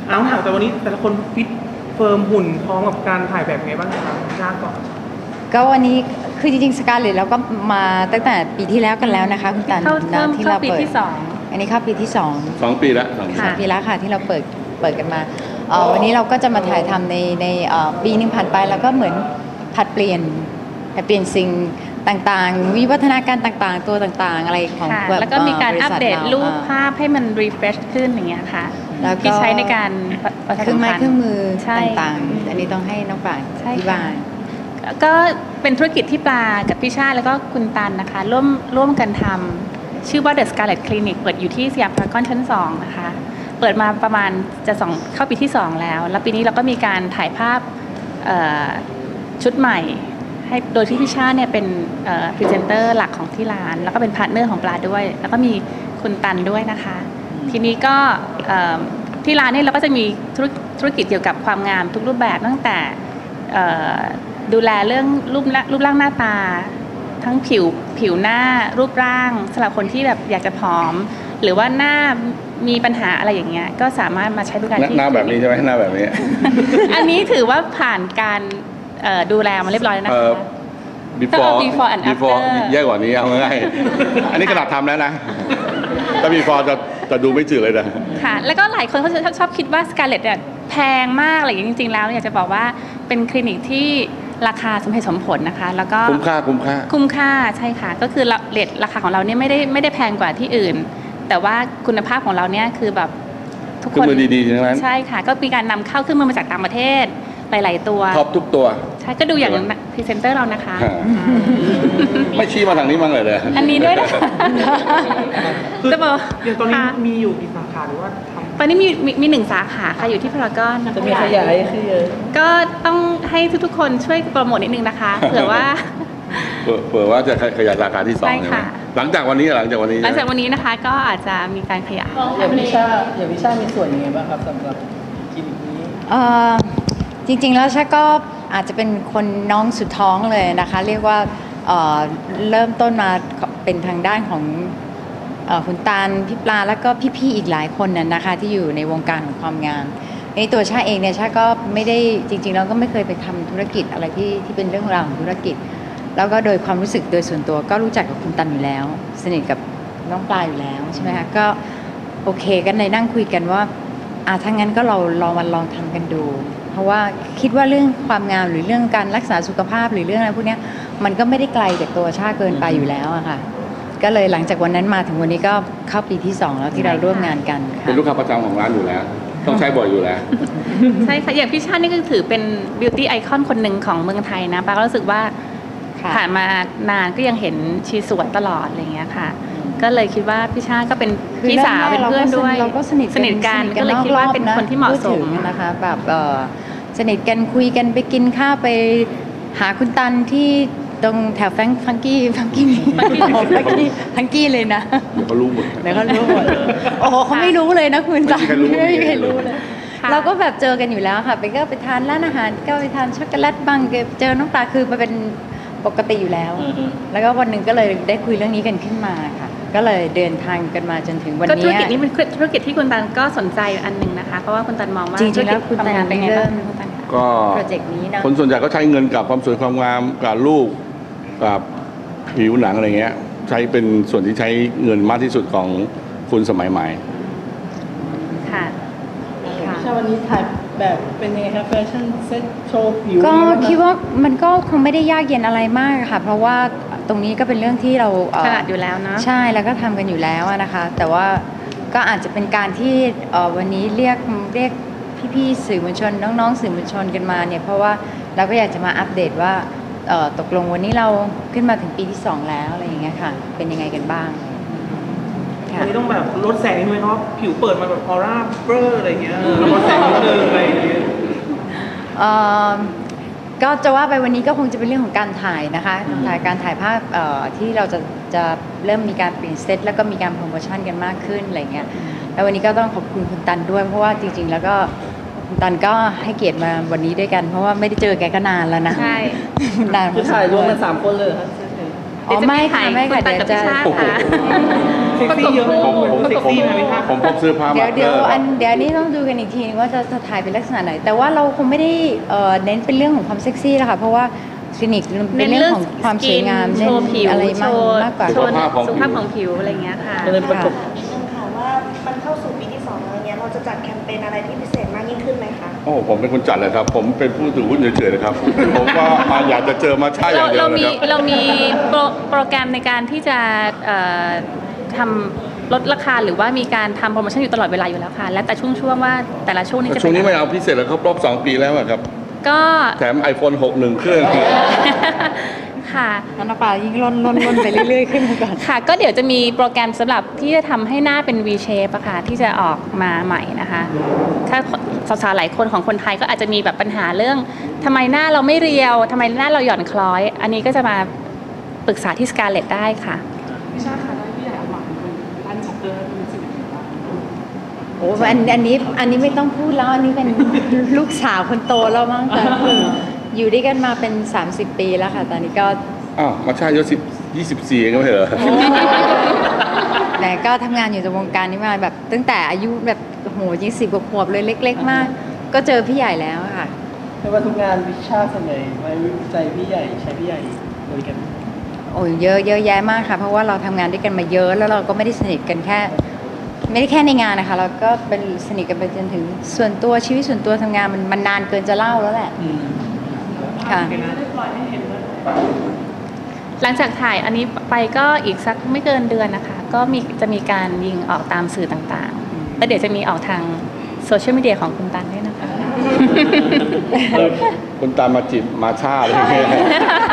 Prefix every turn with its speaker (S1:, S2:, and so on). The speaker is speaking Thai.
S1: เอาถามแต่วันนี้แต่ละคนฟิตเฟิร์มหุ่นพร้อมกับการถ่ายแบบไงบ้างครับยากก่อน
S2: ก็วันนี้คือจริงๆสกาเลตเราก็มาตั้งแต่ปีที่แล้วกันแล้วนะคะคุณตันที่เราเปิดอันนี้เข้าปีที่2
S3: ปีแล้ว
S2: 2 ปีแล้วค่ะที่เราเปิดกันมาวันนี้เราก็จะมาถ่ายทำในปีนึงผ่านไปแล้วก็เหมือนผัดเปลี่ยนสิ่งต่างๆวิวัฒนาการต่างๆตัวต่างๆอะไรของ
S4: แล้วก็มีการอัปเดตรูปภาพให้มันรีเฟรชขึ้นอย่างเงี้ยค่ะที่ใช้ในการ
S2: เครื่องไม้เครื่องมือต่างๆอันนี้ต้องให้น้องปางอธิบาย
S4: ก็เป็นธุรกิจที่ปลากับพี่ชาติแล้วก็คุณตันนะคะร่วมกันทำชื่อว่า The Scarlet Clinic เปิดอยู่ที่สยามพารากอนชั้น2นะคะเปิดมาประมาณจะเข้าปีที่2แล้วปีนี้เราก็มีการถ่ายภาพชุดใหม่ให้โดยที่พี่ชาติเนี่ยเป็นพรีเซนเตอร์หลักของที่ร้านแล้วก็เป็นพาร์ทเนอร์ของปลาด้วยแล้วก็มีคุณตันด้วยนะคะทีนี้ก็ที่ร้านเนี่ยเราก็จะมีธุรกิจเกี่ยวกับความงามทุกรูปแบบตั้งแต่ดูแลเรื่องรูปร่างหน้าตาทั้งผิวหน้ารูปร่างสำหรับคนที่แบบอยากจะผอมหรือว่าหน้ามีปัญหาอะไรอย่างเงี้ยก็สามารถมาใช้บริการที่
S3: หน้าแบบนี้ใช่ไหมหน้าแบบนี้
S4: อันนี้ถือว่าผ่านการดูแลมาเรียบร้อยแล้วนะคะ
S3: before and after แย่กว่านี้เอาง่ายๆอันนี้ขนาดทำแล้วนะถ้า before จะดูไม่จืดเลยนะ
S4: ค่ะแล้วก็หลายคนเขาชอบคิดว่าสการ์เล็ตเนี่ยแพงมากอะไรอย่างจริงๆแล้วอยากจะบอกว่าเป็นคลินิกที่ราคาสมเหตุสมผลนะคะแล้วก็
S3: คุ้มค่า
S4: ใช่ค่ะก็คือเรทราคาของเราเนี่ยไม่ได้แพงกว่าที่อื่นแต่ว่าคุณภาพของเราเนี่ยคือแบบ
S3: ทุกคนดีๆทั้งนั้น
S4: ใช่ค่ะก็มีการนำเข้าเครื่องมือมาจากต่างประเทศหลายๆตัว
S3: ท็อปทุกตัว
S4: ใช่ก็ดูอย่างพรีเซนเตอร์เรานะคะ
S3: ไม่ชี้มาทางนี้มั้งเลย
S4: อันนี้ด้วยนะคะ
S1: จะบอกอย่างตอนนี้มีอยู่กี่สาขาหรือว่า
S4: ตอนนี้มี1 สาขาค่ะอยู่ที่พารากอน
S1: จะมีขยายคือ
S4: ก็ต้องให้ทุกๆคนช่วยโปรโมทนิดนึงนะคะเผื่อ
S3: ว่าจะขยายสาขาที่2ใช่ไหมหลังจากวันนี้
S4: นะคะก็อาจจะมีการขยาย
S1: อย่างวิชามีส่วนยังไงบ้างครับสำหรับคลินิกนี้
S2: จริงๆแล้วชาก็อาจจะเป็นคนน้องสุดท้องเลยนะคะเรียกว่าเริ่มต้นมาเป็นทางด้านของคุณตาลพี่ปลาแล้วก็พี่ๆอีกหลายคนน่ะนะคะที่อยู่ในวงการของความงามในตัวชาเองเนี่ยชาก็ไม่ได้จริงๆแล้วก็ไม่เคยไปทำธุรกิจอะไรที่เป็นเรื่องราวของธุรกิจแล้วก็โดยความรู้สึกโดยส่วนตัวก็รู้จักกับคุณตันอยู่แล้วสนิทกับน้องปลาอยู่แล้วใช่ไหมคะก็โอเคกันในนั่งคุยกันว่าถ้างั้นก็เราลองทำกันดูเพราะว่าคิดว่าเรื่องความงามหรือเรื่องการรักษาสุขภาพหรือเรื่องอะไรพวกนี้มันก็ไม่ได้ไกลจากตัวชาเกินไปอยู่แล้วอะค่ะก็เลยหลังจากวันนั้นมาถึงวันนี้ก็เข้าปีที่2แล้วที่เราร่วมงานกัน
S3: เป็นลูกค้าประจำของร้านอยู่แล้วต้องใช้บ่อยอยู่แล้ว
S4: ใช่ค่ะอย่างพี่ชาตินี่ก็ถือเป็นบิวตี้ไอคอนคนหนึ่งของเมืองไทยนะป้าก็รู้สึกว่าผ่านมานานก็ยังเห็นชีสวยตลอดอะไรอย่างเงี้ยค่ะก็เลยคิดว่าพี่ชาติก็เป็นพี่สาวเป็นเพื่อนด้วย
S2: เราก็สนิท
S4: กันก็เลยคิดว่าเป็นคนที่เหมาะสม
S2: นะคะแบบสนิทกันคุยกันไปกินข้าวไปหาคุณตันที่ตรงแถวฟังกี้เลยนะ
S3: เดี๋ยวเขารู้หมด
S2: โอ้โหเขาไม่รู้เลยนะคุณตันไม่มีใครรู้เลยเราก็แบบเจอกันอยู่แล้วค่ะก็ไปทานร้านอาหารก็ไปทานช็อกโกแลตบ้างเจอน้องปลาคือมันเป็นปกติอยู่แล้วแล้วก็วันหนึ่งก็เลยได้คุยเรื่องนี้กันขึ้นมาค่ะก็เลยเดินทางกันมาจนถึงวันนี้
S4: ธุรกิจนี้เป็นธุรกิจที่คุณตันก็สนใจอันหนึ่งนะคะเพราะว่าคุณตันมองว่า
S2: จริงๆแล้วคุณตัน
S4: เป็นไงบ้าง
S3: ก็
S2: โปรเจกต์นี้นะ
S3: คนส่วนใหญ่ก็ใช้เงินกับความสวยความงามกับลูกกับผิวหนังอะไรเงี้ยใช้เป็นส่วนที่ใช้เงินมากที่สุดของคนสมัยใหม่
S4: ค่ะ
S1: วันนี้ถ่ายแบบเป็นยังไงครับแฟชั่นเซ็ตโชว์ผิว
S2: ก็คิดว่ามันก็คงไม่ได้ยากเย็นอะไรมากค่ะเพราะว่าตรงนี้ก็เป็นเรื่องที่เรา
S4: ถนัดอยู่แล้วนะ
S2: ใช่แล้วก็ทำกันอยู่แล้วนะคะแต่ว่าก็อาจจะเป็นการที่วันนี้เรียกพี่ๆสื่อมวลชนน้องๆสื่อมวลชนกันมาเนี่ยเพราะว่าเราก็อยากจะมาอัปเดตว่าตกลงวันนี้เราขึ้นมาถึงปีที่2แล้วอะไรอย่างเงี้ยค่ะเป็นยังไงกันบ้าง
S1: วันนี้ต้องแบบลดแสงนิดนึงเพราะผิวเปิดมาแบบออร่าเบอร์อะไรอย่างเงี้ยลดแสงนิดนึงอะไรอย่างเงี้ย
S2: ก็จะว่าไปวันนี้ก็คงจะเป็นเรื่องของการถ่ายนะคะการถ่ายภาพที่เราจะเริ่มมีการเปลี่ยนเซตแล้วก็มีการโปรโมชั่นกันมากขึ้นอะไรเงี้ยแล้ววันนี้ก็ต้องขอบคุณคุณตันด้วยเพราะว่าจริงๆแล้วก็คุณตันก็ให้เกียรติมาวันนี้ด้วยกันเพราะว่าไม่ได้เจอแกก็นานแล้วนะ
S4: ใช่
S1: นานคือถ่ายรวมกัน3 คนเลยครับ
S2: อ๋อไม่ค่ะไม่
S4: คุ
S2: ค่ะ
S4: ณตันกับ
S2: เดี๋ยว
S4: พี่
S2: จะ
S4: ชาติค่ะ
S1: เซ็กซี่เยอะ
S3: ผม
S1: เซ็กซี่นะพี่ชาติ
S3: ผมพบเสื้อผ้า
S2: เดี๋ยว
S3: มา
S2: เดี๋ยว
S3: เกอร์
S2: เดี๋ยวนี้ต้องดูกันอีกทีนึงว่าจะถ่ายเป็นลักษณะไหน แต่ว่าเราคงไม่ได้เน้นเป็นเรื่องของความเซ็กซี่แล้วค่ะเพราะว่าคลินิกเป็นเรื่องของความสวยงาม
S4: โชว์ผิว
S2: อะไร
S4: โช
S2: มาก
S4: ว์
S2: กว่า
S4: โชว์สุขภาพของผิวอะไรอย่างเงี้ยค่ะ
S1: เลยประกบ
S5: นิดนึงค่ะว่ามันเข้าสู่ปีที่2แล้วเนี้ยเราจะจัดแคมเปญอะไรที่พิเศษมากยิ่งขึ้นไหมคะ
S3: โอ้ผมเป็นคนจัดเลยครับ ผมเป็นผู้ถือหุ้นเฉยๆนะครับ ผมก็อยากจะเจอมาช่าอย่างเดียวนะครับ
S4: เรามีโปรแกรมในการที่จะทำลดราคาหรือว่ามีการทำโปรโมชั่นอยู่ตลอดเวลาอยู่แล้วค่ะ และแต่ช่วงว่าแต่ละช่วงนี้จะ
S3: ช่วงนี้
S4: เป็
S3: ไม่
S4: น
S3: เอาพิเศษแล้วครับรอบ 2 ปีแล้วอะครับ
S4: ก็
S3: แถม iPhone 6 1 เครื่อง
S4: ค่ะ
S2: ๆน้ำปลายิ่งล่นไปเรื่อยๆขึ้นมาก่อน
S4: ค่ะ ก็เดี๋ยวจะมีโปรแกรมสำหรับที่จะทำให้หน้าเป็น V shape อะค่ะที่จะออกมาใหม่นะคะ ถ้าสาวๆหลายคนของคนไทยก็อาจจะมีแบบปัญหาเรื่องทำไมหน้าเราไม่เรียวทำไมหน้าเราหย่อนคล้อย อันนี้ก็จะมาปรึกษาที่ Scarlett ได้ค่ะ
S1: พี่ชาติค่ะพี่ใหญ่หวังร้านช็อปเปอร์เป็นสิ่งที่
S2: โอ้อันนี้ไม่ต้องพูดแล้วอันนี้เป็นลูกสาวคนโตแล้วมั้งแต่คืออยู่ด้วยกันมาเป็น 30 ปีแล้วค่ะ ตอนนี้ก็
S3: อ้าวมาช่าอายุ24เองก็ไม่เหรอ
S2: แต่ก็ทำงานอยู่ในวงการนี้มาแบบตั้งแต่อายุแบบโห20 กว่าขวบเลยเล็ก ๆ มาก ก็เจอพี่ใหญ่แล้วค่ะ
S6: ไม่ว่าทุกงานวิชาส่วนใหญ่ไว้ใจพี่ใหญ่ใช้พี่ใหญ่บริการ
S2: โอ้ยเยอะแยะมากค่ะ เพราะว่าเราทำงานด้วยกันมาเยอะแล้วเราก็ไม่ได้สนิทกันแค่ ไม่ได้แค่ในงานนะคะ เราก็เป็นสนิทกันไปจนถึงส่วนตัวชีวิตส่วนตัวทำงานมันนานเกินจะเล่าแล้วแหละค่ะ
S4: หลังจากถ่ายอันนี้ไปก็อีกสักไม่เกินเดือนนะคะ ก็จะมีการยิงออกตามสื่อต่างๆ แล้วเดี๋ยวจะมีออกทางโซเชียลมีเดียของคุณตันด้วยนะคะ
S3: คุณตามมาจีบมาช่าอะไรอย่างเงี้ย